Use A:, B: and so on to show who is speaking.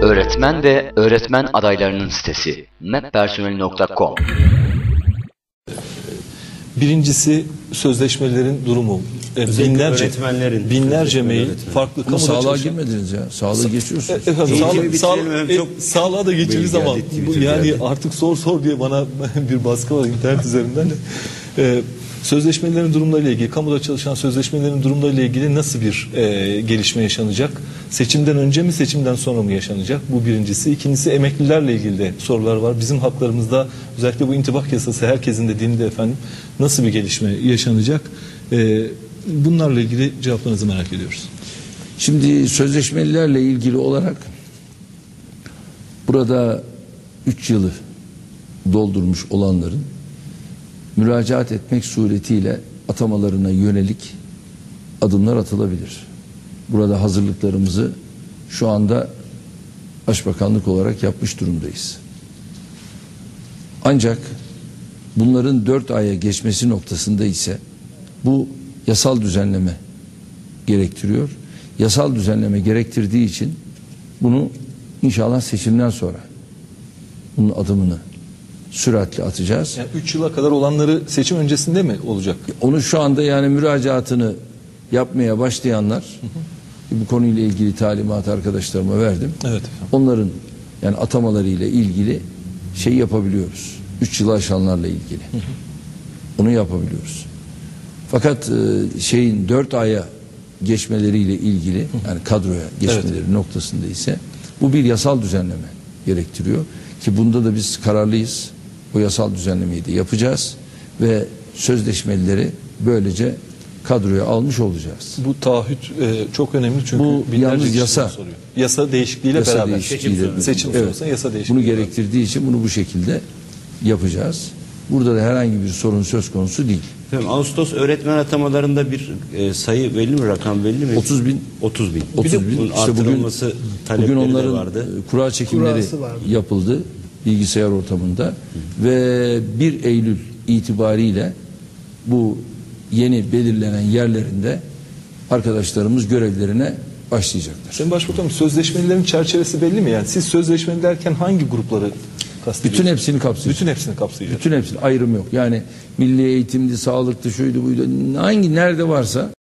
A: Öğretmen ve öğretmen adaylarının sitesi mappersonel.com.
B: Birincisi sözleşmelerin durumu. Binlerce mail, farklı kamuda
C: sağlığa
B: çalışan...
C: girmediniz ya. Sağlığı geçiyorsunuz.
B: Sağlığa da geçeriz ama yani artık sor diye bana bir baskı var internet üzerinden. Sözleşmelerin durumlarıyla ilgili, kamuda çalışan sözleşmelerin durumlarıyla ilgili nasıl bir gelişme yaşanacak? Seçimden önce mi, seçimden sonra mı yaşanacak? Bu birincisi. İkincisi, emeklilerle ilgili de sorular var. Bizim haklarımızda özellikle bu intibak yasası herkesin de dilinde efendim nasıl bir gelişme yaşanacak? Bunlarla ilgili cevaplarınızı merak ediyoruz.
C: Şimdi sözleşmelilerle ilgili olarak burada 3 yılı doldurmuş olanların müracaat etmek suretiyle atamalarına yönelik adımlar atılabilir. Burada hazırlıklarımızı şu anda Başbakanlık olarak yapmış durumdayız. Ancak bunların 4 aya geçmesi noktasında ise bu yasal düzenleme gerektiriyor. Yasal düzenleme gerektirdiği için bunu inşallah seçimden sonra bunun adımını süratle atacağız.
B: Yani 3 yıla kadar olanları seçim öncesinde mi olacak?
C: Onu şu anda yani müracaatını yapmaya başlayanlar, bu konuyla ilgili talimat arkadaşlarıma verdim. Evet efendim. Onların yani atamalarıyla ilgili şey yapabiliyoruz. 3 yılı aşanlarla ilgili. Onu yapabiliyoruz. Fakat şeyin 4 aya geçmeleriyle ilgili yani kadroya geçmeleri noktasında ise bu bir yasal düzenleme gerektiriyor ki bunda da biz kararlıyız. O yasal düzenlemeyi de yapacağız ve sözleşmelileri böylece kadroya almış olacağız.
B: Bu taahhüt çok önemli çünkü
C: bu yalnız yasa.
B: Yasa değişikliğiyle
C: yasa
B: beraber.
C: Seçim
B: sonrası yasa değişikliği.
C: Bunu gerektirdiği için bunu bu şekilde yapacağız. Burada da herhangi bir sorun söz konusu değil.
D: Efendim, Ağustos öğretmen atamalarında bir sayı belli mi, rakam belli mi?
C: 30 bin.
D: 30 bin.
C: 30 bin. İşte bugün onların
D: vardı.
C: Kura çekimleri yapıldı bilgisayar ortamında ve 1 Eylül itibariyle bu yeni belirlenen yerlerinde arkadaşlarımız görevlerine başlayacaklar.
B: Sayın Başbakanım, sözleşmelerin çerçevesi belli mi? Yani siz sözleşmeli derken hangi grupları kastediyorsunuz?
C: Bütün hepsini kapsayacak.
B: Bütün hepsini kapsayacak.
C: Bütün hepsini, ayrım yok. Yani milli eğitimdi, sağlıktı, şuydu buydu, nerede varsa